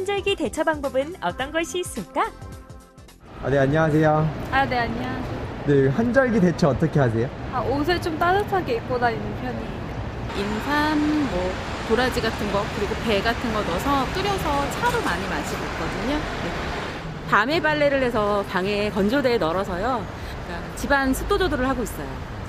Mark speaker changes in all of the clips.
Speaker 1: 환절기 대처 방법은 어떤 것이 있을까?
Speaker 2: 네, 안녕하세요.
Speaker 3: 네, 안녕하세요.
Speaker 2: 네, 환절기 대처 어떻게 하세요?
Speaker 3: 옷을 좀 따뜻하게 입고 다니는 편이에요.
Speaker 4: 인삼, 도라지 같은 거, 그리고 배 같은 거 넣어서 끓여서 차로 많이 마시고 있거든요. 네. 밤에 빨래를 해서 방에 건조대에 널어서요. 그러니까 집안 습도 조절을 하고 있어요.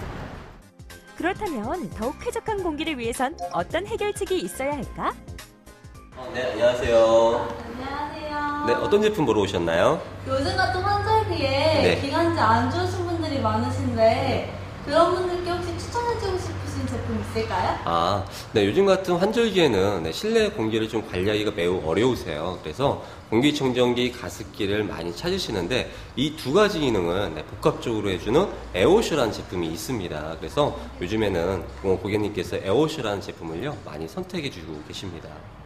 Speaker 1: 그렇다면 더욱 쾌적한 공기를 위해선 어떤 해결책이 있어야 할까?
Speaker 5: 네, 안녕하세요.
Speaker 6: 안녕하세요.
Speaker 5: 네, 어떤 제품 보러 오셨나요?
Speaker 6: 요즘 같은 환절기에
Speaker 5: 네.
Speaker 6: 기관지 안 좋으신 분들이 많으신데 그런 분들께 혹시 추천해주고 싶으신 제품 있을까요?
Speaker 5: 네, 요즘 같은 환절기에는 실내 공기를 좀 관리하기가 매우 어려우세요. 그래서 공기청정기, 가습기를 많이 찾으시는데 이 두 가지 기능은 복합적으로 해주는 에어워셔라는 제품이 있습니다. 그래서 요즘에는 고객님께서 에어워셔라는 제품을요 많이 선택해주고 계십니다.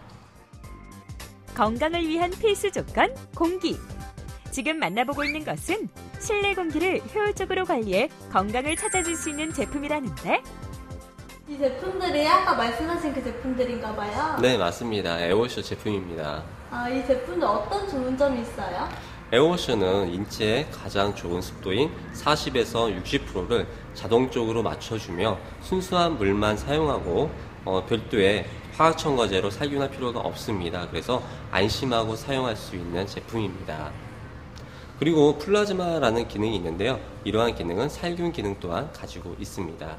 Speaker 1: 건강을 위한 필수 조건, 공기. 지금 만나보고 있는 것은 실내 공기를 효율적으로 관리해 건강을 찾아줄 수 있는 제품이라는데?
Speaker 6: 이 제품들이 아까 말씀하신 그 제품들인가 봐요.
Speaker 5: 네, 맞습니다. 에어워셔 제품입니다.
Speaker 6: 이 제품들 어떤 좋은 점이 있어요?
Speaker 5: 에어워셔는 인체의 가장 좋은 습도인 40에서 60%를 자동적으로 맞춰주며 순수한 물만 사용하고 별도의 화학첨가제로 살균할 필요가 없습니다. 그래서 안심하고 사용할 수 있는 제품입니다. 그리고 플라즈마라는 기능이 있는데요. 이러한 기능은 살균 기능 또한 가지고 있습니다.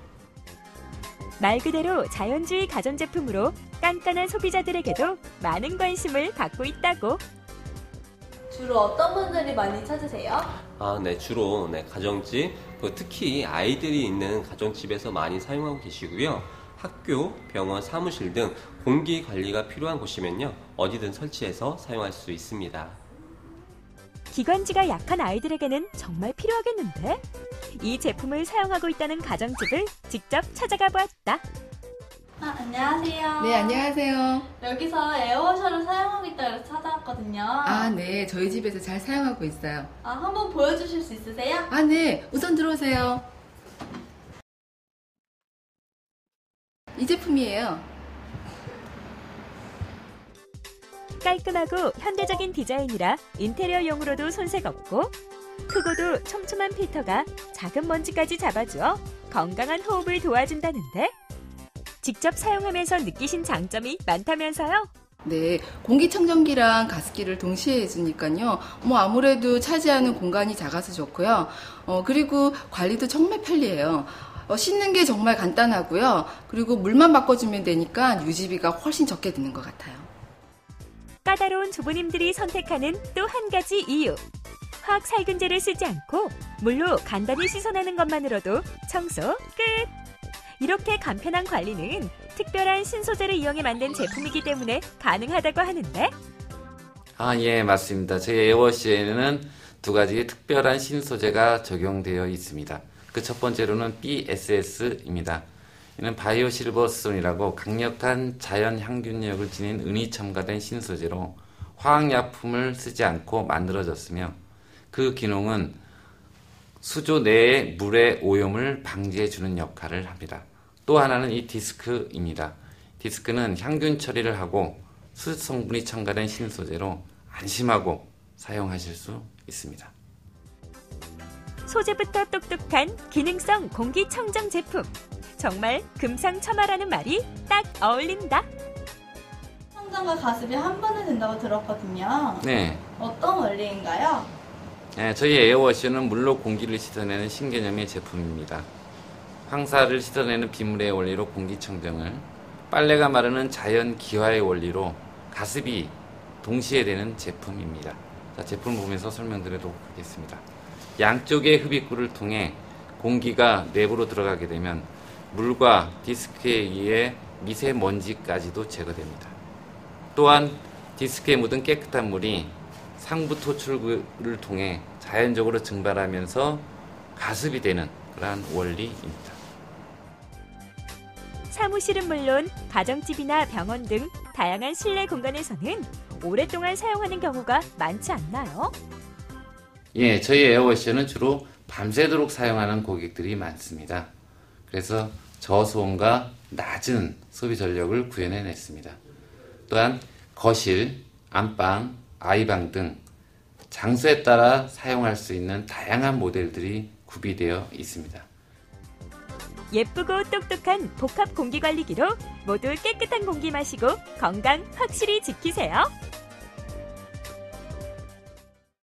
Speaker 1: 말 그대로 자연주의 가전제품으로 깐깐한 소비자들에게도 많은 관심을 받고 있다고.
Speaker 6: 주로 어떤 분들이 많이 찾으세요?
Speaker 5: 네, 주로 가정집, 특히 아이들이 있는 가정집에서 많이 사용하고 계시고요. 학교, 병원, 사무실 등 공기 관리가 필요한 곳이면요, 어디든 설치해서 사용할 수 있습니다.
Speaker 1: 기관지가 약한 아이들에게는 정말 필요하겠는데? 이 제품을 사용하고 있다는 가정집을 직접 찾아가 보았다.
Speaker 6: 안녕하세요.
Speaker 7: 네, 안녕하세요.
Speaker 6: 여기서 에어워셔를 사용하고 있다고 해서 찾아왔거든요.
Speaker 7: 네, 저희 집에서 잘 사용하고 있어요.
Speaker 6: 한번 보여주실 수 있으세요?
Speaker 7: 네, 우선 들어오세요. 이 제품이에요.
Speaker 1: 깔끔하고 현대적인 디자인이라 인테리어용으로도 손색 없고 크고도 촘촘한 필터가 작은 먼지까지 잡아주어 건강한 호흡을 도와준다는데? 직접 사용하면서 느끼신 장점이 많다면서요?
Speaker 7: 네, 공기청정기랑 가습기를 동시에 해주니까요. 아무래도 차지하는 공간이 작아서 좋고요. 그리고 관리도 정말 편리해요. 씻는 게 정말 간단하고요. 그리고 물만 바꿔주면 되니까 유지비가 훨씬 적게 드는 것 같아요.
Speaker 1: 까다로운 주부님들이 선택하는 또 한 가지 이유. 화학 살균제를 쓰지 않고 물로 간단히 씻어내는 것만으로도 청소 끝! 이렇게 간편한 관리는 특별한 신소재를 이용해 만든 제품이기 때문에 가능하다고 하는데?
Speaker 8: 예, 맞습니다. 저희 에어워시에는 두 가지 특별한 신소재가 적용되어 있습니다. 그 첫 번째로는 BSS입니다. 이는 바이오 실버스톤이라고 강력한 자연 향균력을 지닌 은이 첨가된 신소재로 화학약품을 쓰지 않고 만들어졌으며 그 기능은 수조 내의 물의 오염을 방지해주는 역할을 합니다. 또 하나는 이 디스크입니다. 디스크는 향균 처리를 하고 수습 성분이 첨가된 신소재로 안심하고 사용하실 수 있습니다.
Speaker 1: 소재부터 똑똑한 기능성 공기청정 제품. 정말 금상첨화라는 말이 딱 어울린다.
Speaker 6: 청정과 가습이 한 번에 된다고 들었거든요.
Speaker 8: 네.
Speaker 6: 어떤 원리인가요?
Speaker 8: 저희 에어워셔는 물로 공기를 씻어내는 신개념의 제품입니다. 황사를 씻어내는 비물의 원리로 공기청정을, 빨래가 마르는 자연 기화의 원리로 가습이 동시에 되는 제품입니다. 제품을 보면서 설명드리도록 하겠습니다. 양쪽의 흡입구를 통해 공기가 내부로 들어가게 되면 물과 디스크에 의해 미세먼지까지도 제거됩니다. 또한 디스크에 묻은 깨끗한 물이 상부 토출구를 통해 자연적으로 증발하면서 가습이 되는 그러한 원리입니다.
Speaker 1: 사무실은 물론 가정집이나 병원 등 다양한 실내 공간에서는 오랫동안 사용하는 경우가 많지 않나요?
Speaker 8: 예, 저희 에어워셔는 주로 밤새도록 사용하는 고객들이 많습니다. 그래서 저소음과 낮은 소비 전력을 구현해냈습니다. 또한 거실, 안방, 아이방 등 장소에 따라 사용할 수 있는 다양한 모델들이 구비되어 있습니다.
Speaker 1: 예쁘고 똑똑한 복합 공기관리기로 모두 깨끗한 공기 마시고 건강 확실히 지키세요.